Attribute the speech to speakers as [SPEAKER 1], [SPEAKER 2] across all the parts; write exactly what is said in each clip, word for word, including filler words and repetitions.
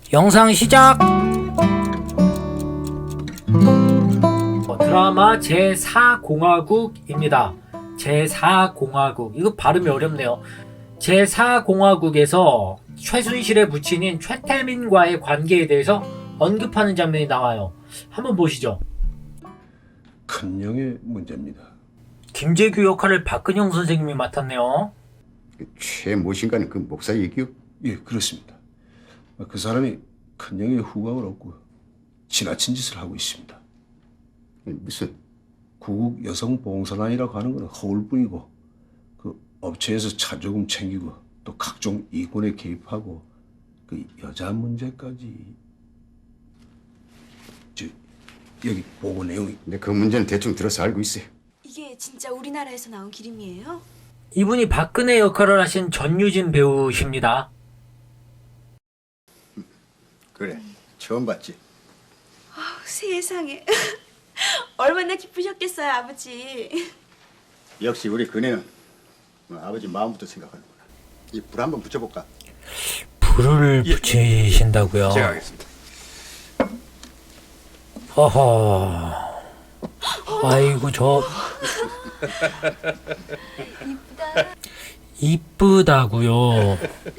[SPEAKER 1] 영상 시작! 드라마 제사 공화국입니다. 제사 공화국. 이거 발음이 어렵네요. 제사 공화국에서 최순실의 부친인 최태민과의 관계에 대해서 언급하는 장면이 나와요. 한번 보시죠.
[SPEAKER 2] 큰형의 문제입니다.
[SPEAKER 1] 김재규 역할을 박근영 선생님이 맡았네요.
[SPEAKER 3] 최 모신가는 그 목사 얘기요?
[SPEAKER 2] 예, 그렇습니다. 그 사람이 큰형의 후광을 얻고 지나친 짓을 하고 있습니다.
[SPEAKER 3] 무슨
[SPEAKER 2] 구국 여성봉사단이라고 하는 건 허울뿐이고 그 업체에서 차조금 챙기고 또 각종 이권에 개입하고 그 여자 문제까지. 저 여기 보고 내용이.
[SPEAKER 3] 근데 그 문제는 대충 들어서 알고 있어요.
[SPEAKER 4] 이게 진짜 우리나라에서 나온 기름이에요?
[SPEAKER 1] 이분이 박근혜 역할을 하신 전유진 배우십니다.
[SPEAKER 3] 그래, 처음 봤지.
[SPEAKER 4] 아, 세상에. 얼마나 기쁘셨겠어요, 아버지.
[SPEAKER 3] 역시 우리 그네는 뭐 아버지 마음부터 생각하는구나. 이 불 한번 붙여볼까?
[SPEAKER 1] 불을 붙이신다고요?
[SPEAKER 3] 제가 하겠습니다.
[SPEAKER 1] 허허. 아이고 저 이쁘다고요.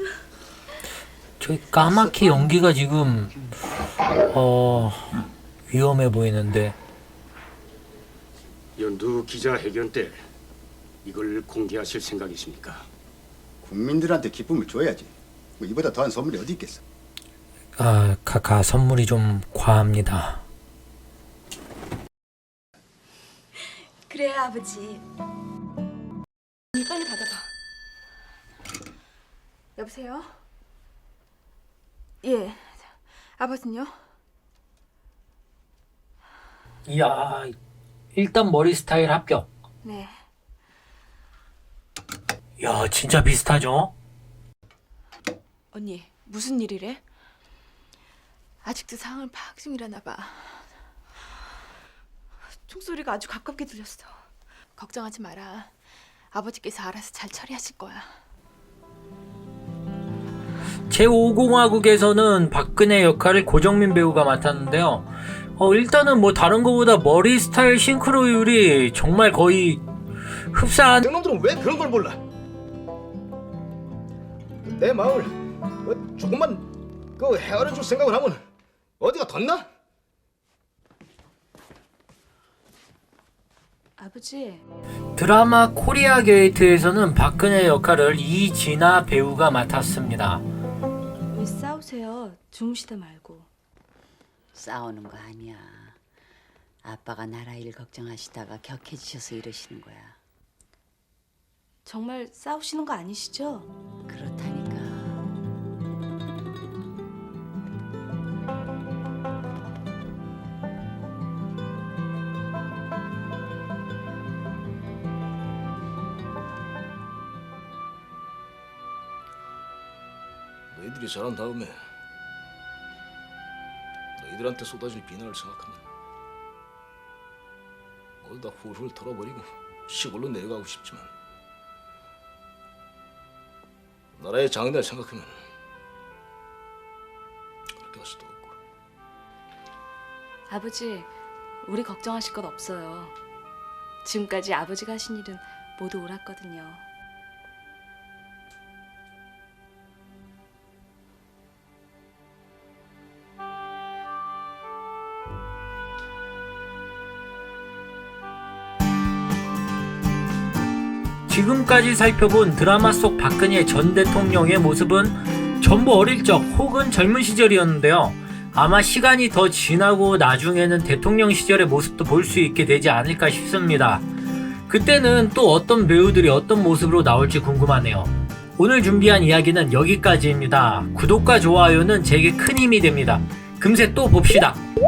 [SPEAKER 1] 저 까맣게 연기가 지금 어 위험해 보이는데.
[SPEAKER 5] 연두 기자회견 때 이걸 공개하실 생각이십니까?
[SPEAKER 3] 국민들한테 기쁨을 줘야지. 뭐 이보다 더한 선물이 어디 있겠어?
[SPEAKER 1] 아 카카 선물이 좀 과합니다.
[SPEAKER 4] 그래요, 아버지. 빨리 받아봐. 여보세요? 예. 아버지는요?
[SPEAKER 1] 이야 일단 머리 스타일 합격.
[SPEAKER 4] 네.
[SPEAKER 1] 야 진짜 비슷하죠?
[SPEAKER 4] 언니, 무슨 일이래? 아직도 상황을 파악 중이라나 봐. 총소리가 아주 가깝게 들렸어. 걱정하지 마라. 아버지께서 알아서 잘 처리하실 거야.
[SPEAKER 1] 제오 공화국에서는 박근혜 역할을 고정민 배우가 맡았는데요. 어, 일단은 뭐 다른 거보다 머리 스타일 싱크로율이 정말 거의 흡사한.
[SPEAKER 6] 놈들은 왜 그런 걸 몰라? 내 마음을 어, 조금만 그 헤아려줄 생각을 하면 어디가 덧나?
[SPEAKER 4] 아버지.
[SPEAKER 1] 드라마 코리아 게이트에서는 박근혜 역할을 이진아 배우가 맡았습니다.
[SPEAKER 4] 왜 싸우세요? 주무시다 말고.
[SPEAKER 7] 싸우는 거 아니야. 아빠가 나라 일 걱정하시다가 격해지셔서 이러시는 거야.
[SPEAKER 4] 정말 싸우시는 거 아니시죠?
[SPEAKER 7] 그렇다니까.
[SPEAKER 6] 너희들이 자란 다음에 너희들한테 쏟아질 비난을 생각하면 모두 다 훌훌 털어버리고 시골로 내려가고 싶지만 나라의 장래를 생각하면 그렇게 할 수도 없고.
[SPEAKER 4] 아버지, 우리 걱정하실 것 없어요. 지금까지 아버지가 하신 일은 모두 옳았거든요.
[SPEAKER 1] 지금까지 살펴본 드라마 속 박근혜 전 대통령의 모습은 전부 어릴 적 혹은 젊은 시절이었는데요. 아마 시간이 더 지나고 나중에는 대통령 시절의 모습도 볼 수 있게 되지 않을까 싶습니다. 그때는 또 어떤 배우들이 어떤 모습으로 나올지 궁금하네요. 오늘 준비한 이야기는 여기까지입니다. 구독과 좋아요는 제게 큰 힘이 됩니다. 금세 또 봅시다.